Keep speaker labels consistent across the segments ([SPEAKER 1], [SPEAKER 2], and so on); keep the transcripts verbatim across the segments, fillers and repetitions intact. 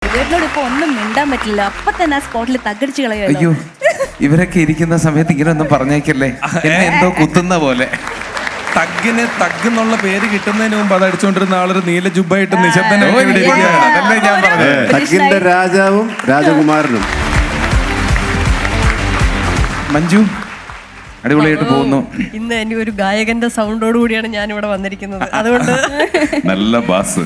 [SPEAKER 1] വിവേകിനോട് ഇപ്പൊ ഒന്നും മിണ്ടാൻ പറ്റില്ല. അപ്പൊ തന്നെ ആ സ്പോട്ടിൽ തകടിച്ചു കളയുമല്ലോ.
[SPEAKER 2] അയ്യോ, ഇവരൊക്കെ ഇരിക്കുന്ന സമയത്ത് ഇങ്ങനെ ഒന്നും പറഞ്ഞേക്കല്ലേ, എന്നെ എന്തോ കുത്തുന്ന പോലെ.
[SPEAKER 3] തഗ്ഗിന് തഗ് എന്നുള്ള പേര് കിട്ടുന്നതിന് മുമ്പ് അത് അടിച്ചുകൊണ്ടിരുന്ന ആളൊരു നീല ജുബായിട്ട് നിശബ്ദനെ
[SPEAKER 2] അതല്ലേ ഞാൻ പറഞ്ഞത്.
[SPEAKER 4] തഗ്ഗിന്റെ രാജാവും രാജകുമാരനും.
[SPEAKER 2] മഞ്ജു അടിപൊളിയായിട്ട് പോകുന്നു.
[SPEAKER 5] ഇന്ന് എനിക്ക് ഒരു ഗായകന്റെ സൗണ്ടോട് കൂടിയാണ് ഞാൻ ഇവിടെ വന്നിരിക്കുന്നത്. അതുകൊണ്ട്
[SPEAKER 2] നല്ല ബാസ്.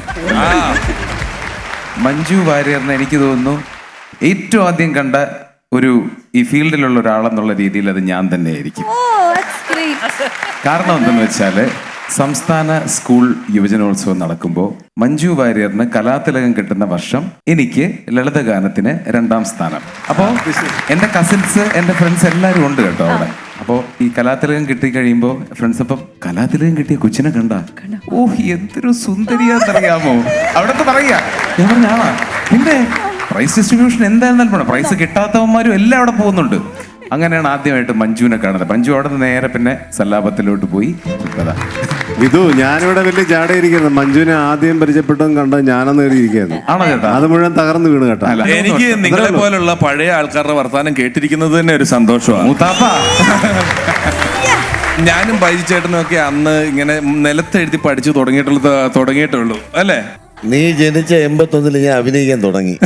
[SPEAKER 2] മഞ്ജു വാര്യറിനെ എനിക്ക് തോന്നുന്നു ഏറ്റവും ആദ്യം കണ്ട ഒരു ഈ ഫീൽഡിലുള്ള ഒരാളെന്നുള്ള രീതിയിൽ അത് ഞാൻ തന്നെയായിരിക്കും. കാരണം എന്തെന്ന് വെച്ചാൽ സംസ്ഥാന സ്കൂൾ യുവജനോത്സവം നടക്കുമ്പോൾ മഞ്ജു വാര്യറിന് കലാതിലകം കിട്ടുന്ന വർഷം എനിക്ക് ലളിതഗാനത്തിന് രണ്ടാം സ്ഥാനം. അപ്പോൾ എൻ്റെ കസിൻസ് എൻ്റെ ഫ്രണ്ട്സ് എല്ലാവരും ഉണ്ട് കേട്ടോ അവിടെ. അപ്പോൾ ഈ കലാതിലകം കിട്ടി കഴിയുമ്പോൾ ഫ്രണ്ട്സ് അപ്പം കലാതിലകം കിട്ടിയ കൊച്ചിനെ കണ്ട, ഓ എന്തൊരു സുന്ദരിയാന്നറിയാമോ അവിടത്തെ പറയാ. ഞാൻ പറഞ്ഞാ പിന്നെ പ്രൈസ് ഡിസ്ട്രിബ്യൂഷൻ എന്തായിരുന്നാലും പോണം, പ്രൈസ് കിട്ടാത്തവന്മാരും എല്ലാം അവിടെ പോകുന്നുണ്ട്. അങ്ങനെയാണ് ആദ്യമായിട്ട് മഞ്ജുവിനെ കാണുന്നത്. മഞ്ജു അവിടെ നിന്ന് നേരെ പിന്നെ സല്ലാപത്തിലോട്ട് പോയി.
[SPEAKER 4] വിധു, ഞാനിവിടെ വലിയ ജാടയിരിക്കുന്നു. മഞ്ജുവിനെ ആദ്യം പരിചയപ്പെട്ടതും കണ്ട ഞാനെന്ന് കയറിയിരിക്കുന്നു.
[SPEAKER 2] ആണോ ചേട്ടാ?
[SPEAKER 4] അത് മുഴുവൻ തകർന്നു വീണ് കേട്ടോ.
[SPEAKER 3] എനിക്ക് നിങ്ങളെ പോലുള്ള പഴയ ആൾക്കാരുടെ വർത്താനം കേട്ടിരിക്കുന്നത് തന്നെ ഒരു സന്തോഷമാണ്. ഞാനും ബൈജു ചേട്ടനും ഒക്കെ അന്ന് ഇങ്ങനെ നിലത്തെഴുതി പഠിച്ചു തുടങ്ങിയിട്ടുള്ളത് തുടങ്ങിയിട്ടുള്ളൂ അല്ലേ?
[SPEAKER 6] നീ ജനിച്ച എൺപത്തൊന്നില് ഞാൻ അഭിനയിക്കാൻ തുടങ്ങി.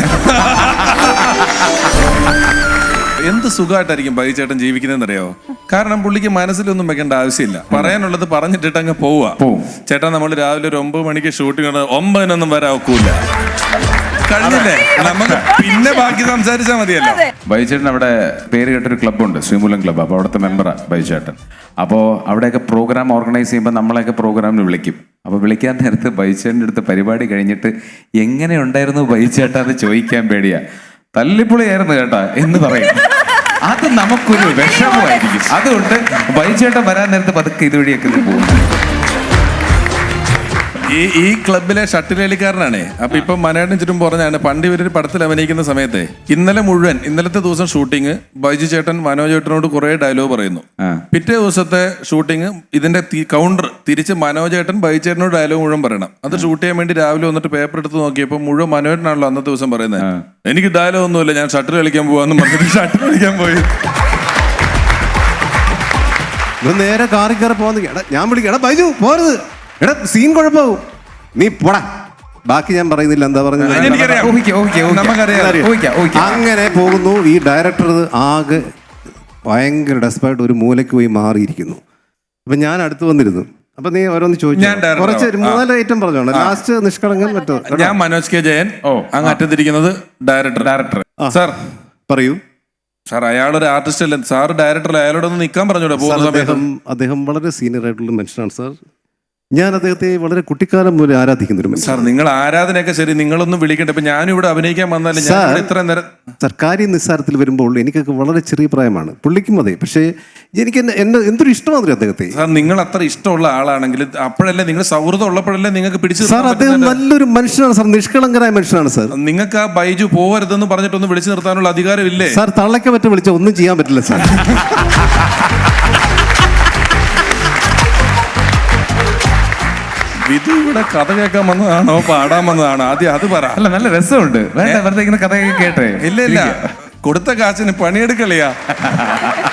[SPEAKER 3] എന്ത് സുഖമായിട്ടായിരിക്കും ബൈജു ചേട്ടൻ ജീവിക്കുന്നതെന്നറിയോ? കാരണം പുള്ളിക്ക് മനസ്സിലൊന്നും വെക്കേണ്ട ആവശ്യമില്ല. പറയാനുള്ളത് പറഞ്ഞിട്ടിട്ട് അങ്ങ് പോവുക. ചേട്ടാ നമ്മൾ രാവിലെ ഒരു ഒമ്പത് മണിക്ക് ഷൂട്ടിംഗ്, ഒമ്പതിനൊന്നും വരാൻ ഒക്കൂല. കഴിഞ്ഞില്ലേ, നമുക്ക് പിന്നെ ബാക്കി സംസാരിച്ചാൽ മതിയല്ലോ.
[SPEAKER 2] ബൈജുചേട്ടൻ അവിടെ പേര് കേട്ടൊരു ക്ലബ്ബുണ്ട്, ശ്രീമൂലം ക്ലബ്ബ്. അപ്പോൾ അവിടുത്തെ മെമ്പറാണ് ബൈജുചേട്ടൻ. അപ്പോൾ അവിടെയൊക്കെ പ്രോഗ്രാം ഓർഗനൈസ് ചെയ്യുമ്പോൾ നമ്മളെയൊക്കെ പ്രോഗ്രാമിന് വിളിക്കും. അപ്പോൾ വിളിക്കാൻ നേരത്ത് ബൈജുചേട്ടൻ്റെ അടുത്ത് പരിപാടി കഴിഞ്ഞിട്ട് എങ്ങനെ ഉണ്ടായിരുന്നു ബൈജുചേട്ടാ എന്ന് ചോദിക്കാൻ പേടിയാ. തല്ലിപ്പൊളിയായിരുന്നു കേട്ടാ എന്ന് പറയും. അത് നമുക്കൊരു വിഷമമായിരിക്കും. അതുകൊണ്ട് ബൈജുചേട്ടൻ വരാൻ നേരത്ത് പതുക്കെ ഇതുവഴിയൊക്കെ പോകും.
[SPEAKER 3] ഈ ഈ ക്ലബിലെ ഷട്ടിൽ കളിക്കാരനാണേ. അപ്പൊ ഇപ്പൊ മനേട്ടൻ ചുറ്റും പറഞ്ഞാണ്, പണ്ട് ഇവരൊരു പടത്തിൽ അഭിനയിക്കുന്ന സമയത്ത് ഇന്നലെ മുഴുവൻ ഇന്നലത്തെ ദിവസം ഷൂട്ടിങ് ബൈജു ചേട്ടൻ മനോജ് ചേട്ടനോട് കുറെ ഡയലോഗ് പറയുന്നു. പിറ്റേ ദിവസത്തെ ഷൂട്ടിങ് ഇതിന്റെ കൗണ്ടർ തിരിച്ച് മനോജ് ചേട്ടൻ ബൈജു ചേട്ടനോട് ഡയലോഗ് മുഴുവൻ പറയണം. അത് ഷൂട്ട് ചെയ്യാൻ വേണ്ടി രാവിലെ വന്നിട്ട് പേപ്പർ എടുത്ത് നോക്കിയപ്പോൾ മുഴുവൻ മനോജനാണല്ലോ അന്നത്തെ ദിവസം പറയുന്നത്. എനിക്ക് ഡയലോഗ് ഒന്നുമില്ല, ഞാൻ ഷട്ടിൽ കളിക്കാൻ പോവാന്ന് പറഞ്ഞിട്ട് ഷട്ടിൽ കളിക്കാൻ പോയി.
[SPEAKER 4] നേരെ കാറി കയറി പോകുന്ന ഞാൻ വിളിക്കാം, എടാ ബൈജു പോരുത്, എടാ സീൻ കുഴപ്പമാവും, നീ പോടാ. ബാക്കി ഞാൻ പറയുന്നില്ല, എന്താ പറഞ്ഞത് അങ്ങനെ പോകുന്നു. ഈ ഡയറക്ടർ ആകെ ഭയങ്കര ഡെസ്പായിട്ട് ഒരു മൂലയ്ക്ക് പോയി മാറിയിരിക്കുന്നു. അപ്പൊ ഞാൻ അടുത്ത് വന്നിരുന്നു. അപ്പൊ നീ ഓരോന്ന് ചോദിച്ചു, കുറച്ച് മൂന്നാല് ഐറ്റം പറഞ്ഞോണ്ട് ലാസ്റ്റ് നിഷ്കളങ്കൻ പറ്റോ.
[SPEAKER 3] ഞാൻ മനോജ് കെ ജയൻ, അങ്ങ് അറ്റത്തിരിക്കുന്നത് ഡയറക്ടർ. ഡയറക്ടർ സാർ പറയൂ. സാർ അയാളൊരു ആർട്ടിസ്റ്റ് അല്ലേ സാർ, ഡയറക്ടർ അയാളോടൊന്ന് നിൽക്കാൻ പറഞ്ഞൂടെ പോകുന്ന സമയത്ത്?
[SPEAKER 4] അദ്ദേഹം വളരെ സീനിയർ ആയിട്ടുള്ള മനുഷ്യനാണ് സാർ. ഞാൻ അദ്ദേഹത്തെ വളരെ കുട്ടിക്കാലം പോലെ ആരാധിക്കുന്ന ഒരു മനുഷ്യൻ.
[SPEAKER 3] സാർ നിങ്ങൾ ആരാധനയൊക്കെ ശരി, നിങ്ങളൊന്നും വിളിക്കട്ടെ. ഇപ്പൊ ഞാനും ഇവിടെ അഭിനയിക്കാൻ വന്നാലും ഇത്ര നേരം
[SPEAKER 4] സാർ കാര്യം നിസ്സാരത്തിൽ വരുമ്പോൾ എനിക്കൊക്കെ വളരെ ചെറിയ പ്രായമാണ്, പുള്ളിക്കും അതെ. പക്ഷേ എനിക്ക് എന്നെ എന്തൊരു ഇഷ്ടമാണ് അദ്ദേഹത്തെ.
[SPEAKER 3] സാർ നിങ്ങൾ അത്ര ഇഷ്ടമുള്ള ആളാണെങ്കിൽ അപ്പോഴല്ലേ നിങ്ങൾ സൗഹൃദം ഉള്ളപ്പോഴല്ലേ നിങ്ങൾക്ക് പിടിച്ചു.
[SPEAKER 4] സാർ അദ്ദേഹം നല്ലൊരു മനുഷ്യനാണ് സാർ, നിഷ്കളങ്കരായ മനുഷ്യനാണ് സാർ.
[SPEAKER 3] നിങ്ങൾക്ക് ആ ബൈജു പോവരുതെന്ന് പറഞ്ഞിട്ടൊന്ന് വിളിച്ചു നിർത്താനുള്ള അധികാരമില്ലേ
[SPEAKER 4] സാർ? തള്ളയ്ക്ക് പറ്റ വിളിച്ചാൽ ഒന്നും ചെയ്യാൻ പറ്റില്ല സാർ.
[SPEAKER 3] വിധു ഇവിടെ കഥ കേൾക്കാൻ വന്നതാണോ പാടാൻ വന്നതാണോ? ആദ്യം അത് പറ.
[SPEAKER 2] അല്ല, നല്ല രസമുണ്ട്. വെറുതെ ഇങ്ങനെ കഥ കേട്ടെ.
[SPEAKER 3] ഇല്ല ഇല്ല, കൊടുത്ത കാശിന് പണിയെടുക്കളിയാ.